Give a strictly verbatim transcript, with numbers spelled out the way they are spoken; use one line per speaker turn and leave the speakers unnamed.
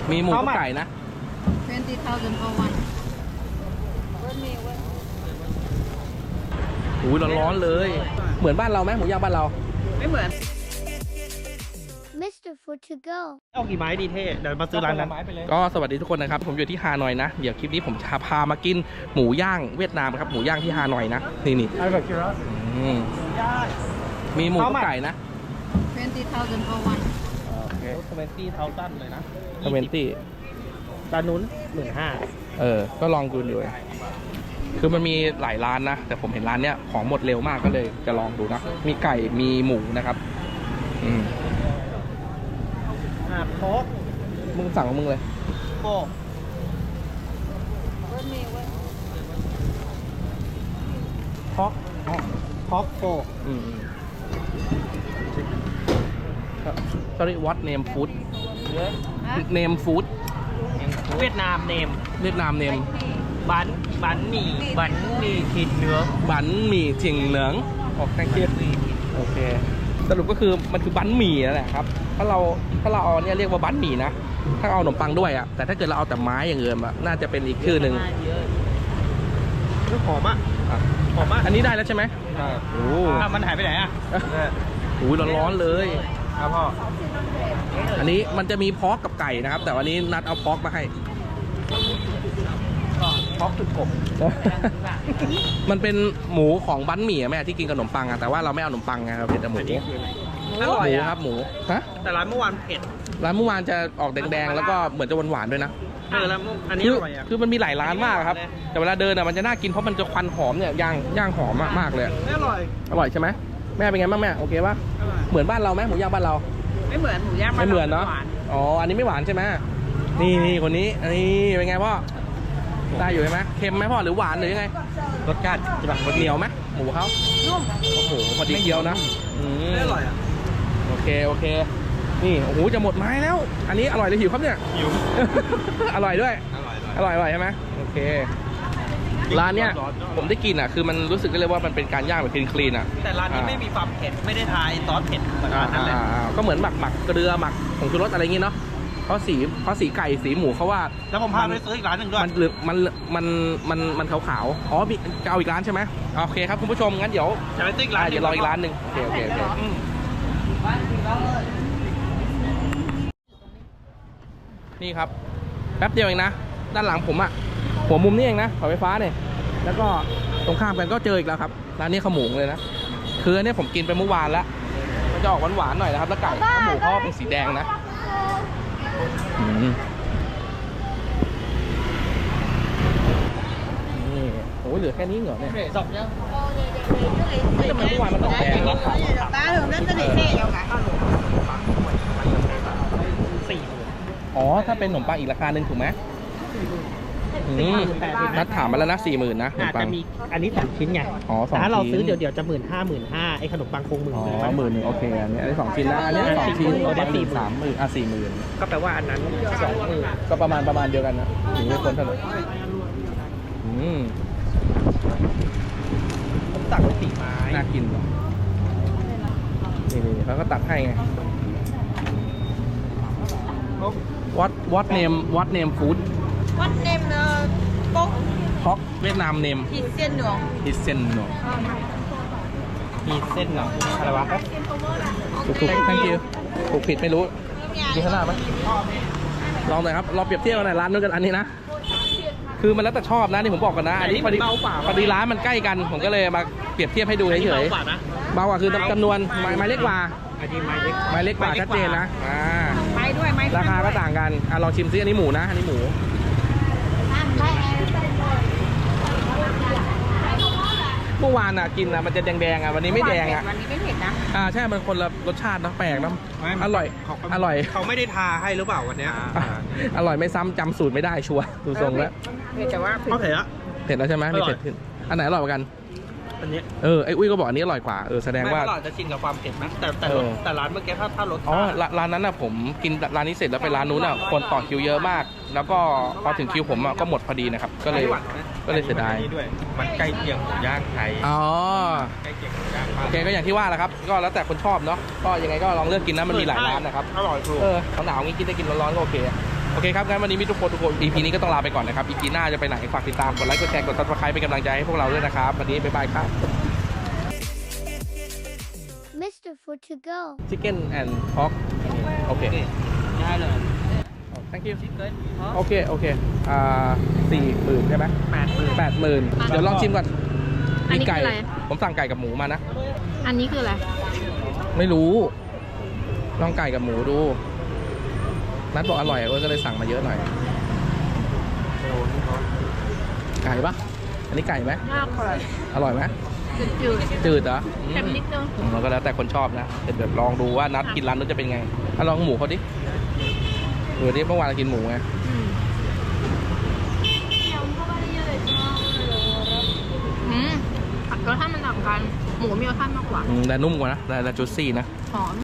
มีหมูกับไก่นะ
twenty thousand for one
โอ้ยร้อนๆเลยเหมือนบ้านเราไหมหมูย่างบ้านเรา
ไม่เหมือน
มิสเตอร์ Food to go
เอากี่ไม้ดีเท่เดี๋ยวมาซื้อร้านนั้น
ก็สวัสดีทุกคนนะครับผมอยู่ที่ฮานอยนะเดี๋ยวคลิปนี้ผมจะพามากินหมูย่างเวียดนามครับหมูย่างที่ฮานอยนะนี่นี่มีหมูกับไก่นะ
twenty thousand for one
โอเคทเวนตี้เท้าสั้นเลยนะ
ทเวนตี้
ร้านนู้นหมื่นห้า
เออก็ลองดูดูคือมันมีหลายร้านนะแต่ผมเห็นร้านเนี้ยของหมดเร็วมากก็เลยจะลองดูนะมีไก่มีหมูนะครับอืม
อ่าโคก
มึงสั่งของมึงเลย
โคกฮอกฮอกโคก
อืม sorry what name food name food
เวียดนามเนม
เวียดนาม name
บันบันหมี่บันหมี่ถิ่นเหนือ
บันหมี่ถิ่นเหนืองออกแค่เคียดโอเคสรุปก็คือมันคือบันหมี่นั่นแหละครับถ้าเราถ้าเราเอาเนี่ยเรียกว่าบันหมี่นะถ้าเอาขนมปังด้วยอ่ะแต่ถ้าเกิดเราเอาแต่ไม้อย่างเงินอ่ะน่าจะเป็นอีกชื่อหนึ่ง
หอมอ่ะหอมอ่ะ
อันนี้ได้แล้วใช่ไหมโอ้
มันหายไปไหนอ่ะ
โอ้ยร้อนๆเลย
ครับพ่อ
อันนี้มันจะมีพอกกับไก่นะครับแต่วันนี้นัดเอาพอกมาให้
พอกจุดกบ
มันเป็นหมูของบันหมี่แม่ที่กินกับขนมปังอะแต่ว่าเราไม่เอาขนมปังไงเราเผ็ดแต่หมู
อร่อย
ครับหมูฮะ
แต่ร้านเมื่อวานเผ็ด
ร้านเมื่อวานจะออกแดงๆแล้วก็เหมือนจะหวานๆด้วยนะ
เออแล้วอันนี้อร่อยอ่ะ
คือมันมีหลายร้านมากครับแต่เวลาเดินอะมันจะน่ากินเพราะมันจะควันหอมเนี่ยย่างย่างหอมมากๆเลย
อร่อย
อร่อยใช่ไหมแม่เป็นไงบ้างแม่โอเคป่ะเหมือนบ้านเราไหมหมูย่างบ้านเรา
ไม่เหมือนหมูย่าง
ไม่เหมือนเนาะอ๋ออันนี้ไม่หวานใช่ไหมนี่นี่คนนี้อันนี้เป็นไงพ่อได้อยู่ใช่ไหมเค็มไหมพ่อหรือหวานหรือยังไง
รสชาติจะแบบ
เหนียวไหมหมูเขานุ่มโอ้โหพอดีเคี้ยวนะ
ไม่อร่อยอ่ะ
โอเคโอเคนี่โอ้โหจะหมดไม้แล้วอันนี้อร่อยเลยหิวครับเนี่ย
หิว
อร่อยด้วยอร่อยอร่อยใช่ไหมโอเคร้านเนี้ยผมได้กินอ่ะคือมันรู้สึกได้เลยว่ามันเป็นการย่างแบบคลีนคลีนอ่ะ
แต่ร้านนี้ไม่มีความเผ็ดไม่ได้ทายซอสเผ็ดเหมือนร้านนั้นเลย
ก็เหมือนหมักหมักเกลือหมักผงชูรสอะไรอย่างงี้เนาะเพราะสีเพราะสีไก่สีหมูเขาว่า
แล้วผมพาไปซื้ออีกร้านหนึ่งด้วย
มันมันมันมันมันขาวๆอ๋อมีจะเอาอีกร้านใช่ไหมโอเคครับคุณผู้ชมงั้นเดี๋ยว
จะไปซื้ออีกร้าน
เดี๋ยวรออีกร้านหนึ่งโอเคโอเคโอเคนี่ครับแป๊บเดียวเองนะด้านหลังผมอะหัวมุมนี่เองนะเสาไฟฟ้าเนี่ยแล้วก็ตรงข้ามกันก็เจออีกแล้วครับร้านนี้ขมุงเลยนะคืออันนี้ผมกินไปเมื่อวานแล้วมันจะออกหวานๆหน่อยนะครับแล้วไก่ขมูเขาเป็นสีแดงนะนี่โอ้เหลือแค่นี้เหรอเนี่ย
สองยัง
ไม่ทำไมเมื่อวานมันออกแดงแล้วขาว
ตาถึงนั่นจะได้เท่ยังไง
สี่
อ๋อถ้าเป็นขนมปังอีกราคาหนึ่งถูกไหมนัดถามมาแล้วนะสี่หมื่นนะ
อาจจะมีอันนี้สามชิ้นไง
อ๋อสองชิ้น
ถ้าเราซื้อเดี๋ยวเดี๋ยวจะหมื่นห้าหมื่นห้าไอ้ขนมปังคงหมื่น
อ๋อหมื่นหนึ่งโอเคอันนี้อันนี้สองชิ้นนะอันนี้สองชิ้นเราได้สี่สามหมื่นอ่ะสี่หมื่น
ก็แปลว่าอันนั้นสองหมื่น
ก็ประมาณประมาณเดียวกันนะถึงไม่พ้นเท่าไหร่อืม
ผมตักไปสี่ไม้
น่ากินว่ะนี่นี่เขาก็ตัดให้ไง what what name what name food
what name เนอะป๊ก
ฮอกเวียดนาม name
ฮิเซียนหนวง
ฮิเซียนหนวง
มีเส้นเหรออะไรวะ
ถูกถูก thank you ถูกผิดไม่รู้มีขนาดไหมลองหน่อยครับลองเปรียบเทียบกันหน่อยร้านนู้นกันอันนี้นะคือมันแล้วแต่ชอบนะนี่ผมบอกกันนะอันนี้พอดีพอดีร้านมันใกล้กันผมก็เลยมาเปรียบเทียบให้ดูเฉยๆเบากว่าคือจำนวนไม้เล็กกว่าไม้เล็กกว่าชัดเจนนะอ่า
ไม้ด้วยไม้
ราคาก็ต่างกันอ่ะลองชิมซิอันนี้หมูนะอันนี้หมูเมื่อวานอ่ะกินอ่ะมันจะแดงๆอ่ะวันนี้ไม่แดงอ่ะ
วันนี้ไม่เผ็ดนะ
อ่าใช่มันคนละรสชาตินะแปลกนะอร่อยอร่อย
เขาไม่ได้ทาให้หรือเปล่าวันนี้
อร่อยไม่ซ้ำจำสูตรไม่ได้ชัวร์ดูทรงแล้ว
แต่ว่า
เขาเผ็ดอะ
เผ็ดแล้วใช่ไหมมีเผ็ดขึ้นอันไหนอร่อยกว่ากัน
อันนี้
เออไอ้อุ้ยก็บอกอันนี้อร่อยกว่าเออแสดงว่า
ไม่อร่อยจะชินกับความเผ็ดนะแต่แต่แต่ร้านเมื่อกี้ถ้าถ้ารส
อ๋อร้านนั้นน่ะผมกินร้านนี้เสร็จแล้วไปร้านนู้นน่ะคนต่อคิวเยอะมากแล้วก็พอถึงคิวผมก็หมดพอดีนะครับก็เลยก็เลยเสียดาย
มันใกล้เคียงหมูย่างไทย
อ๋อ
ใกล้เคียงหมูย่าง
โอเคก็อย่างที่ว่าแหละครับก็แล้วแต่คนชอบเนาะก็ยังไงก็ลองเลือกกินนะมันมีหลายร้านนะครับ
อร่อยถูก
เออหนาวๆงี้กินได้กินร้อนๆก็โอเคโอเคครับงั้นวันนี้มิตรทุกคนทุกคน อี พี นี้ก็ต้องลาไปก่อนนะครับ อี พี หน้าจะไปไหนฝากติดตามกดไลค์กดแชร์กด ซับสไครบ์ เป็นกำลังใจให้พวกเราด้วยนะครับวันนี้บ๊ายบายครับ
มิสเตอร์ Food to go
Chicken and Pork โอเค
ได้เลย
thank you
ชิคเก้น
โอเคโอเคอ่าสี่หมื่นใช่ไหม
แปดหมื่น
แปดหมื่นเดี๋ยวลองชิมก่อน
อันนี้
มีไก่
คืออะไร
ผมสั่งไก่กับหมูมานะ
อันนี้คืออะไร
ไม่รู้ ลองไก่กับหมูดู นัดบอกอร่อยก็เลยสั่งมาเยอะหน่อย ไก่ปะอันนี้ไก่ไหม
มากเลย
อร่อยไหม
จืด
จืดเหรอ
ๆเค็มนิดนึง
อืมมันก็แล้วแต่คนชอบนะเดี๋ยวเดี๋ยวลองดูว่านัดกินร้านนู้นจะเป็นไงอ่ะลองหมูเขาดิเออดิเมื่อวานเรากินหมูไง
อืมอืมรสชาติมันต่างกัน หมูมีรสชาติมากกว่า
อืมแต่นุ่มกว่านะแต่แต่จุดซี่นะ
หอม